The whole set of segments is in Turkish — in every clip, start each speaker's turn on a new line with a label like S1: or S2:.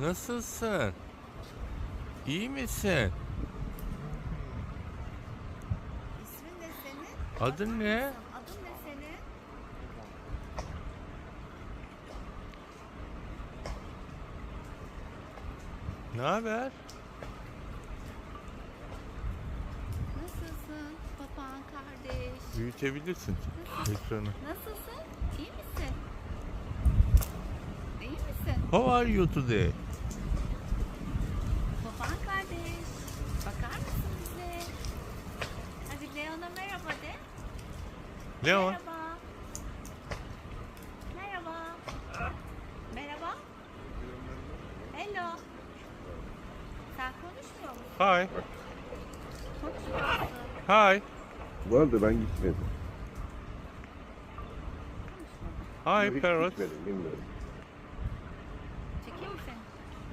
S1: Nasılsın? İyi misin?
S2: İsmin ne senin?
S1: Adın ne?
S2: Adın ne senin?
S1: Ne haber?
S2: Nasılsın? Papağan kardeş.
S1: Büyütebilirsin ekranı.
S2: Nasılsın? İyi misin? İyi misin?
S1: How are you today?
S2: Papağan kardeş. Bakar mısın bize? Hadi Leon'a merhaba de.
S1: Leon.
S2: Merhaba. Merhaba. Merhaba. Hello. Sen konuşmuyor musun?
S1: Hi.
S2: Konuşmuyor musun?
S1: Hi.
S3: Bu arada ben gitmedim.
S1: Hi
S3: Hiç
S1: parrot.
S3: gitmedim, bilmiyorum.
S2: Çekeyim mi seni?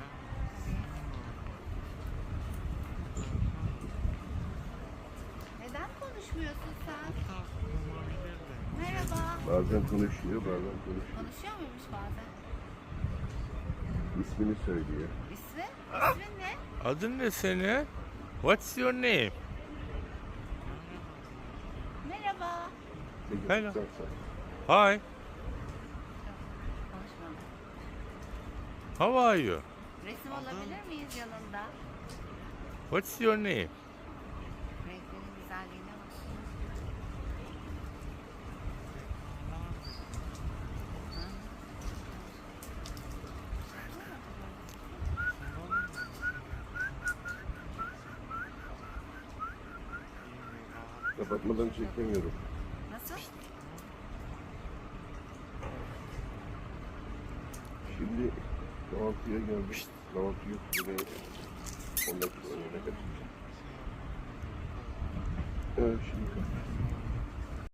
S2: Neden konuşmuyorsun sen? Merhaba.
S3: Bazen konuşuyor, bazen konuşuyor.
S2: Konuşuyor muymuş bazen?
S3: İsmini söylüyor.
S2: İsmi? İsmin ne?
S1: Adın ne senin? What's your name?
S2: Merhaba.
S3: Ne
S1: Hello.
S3: göstersen.
S1: Hi.
S2: Konuşmadı.
S1: How are you?
S2: Resim alabilir miyiz yanında?
S1: What's your name?
S2: Renklerin güzelliğine bak.
S3: Kapatmadan çekemiyorum.
S2: Nasıl?
S3: Şimdi kahvaltıya geldik. Kahvaltı yok. Buraya 10 dakika sonra ne kadar? Evet, şimdi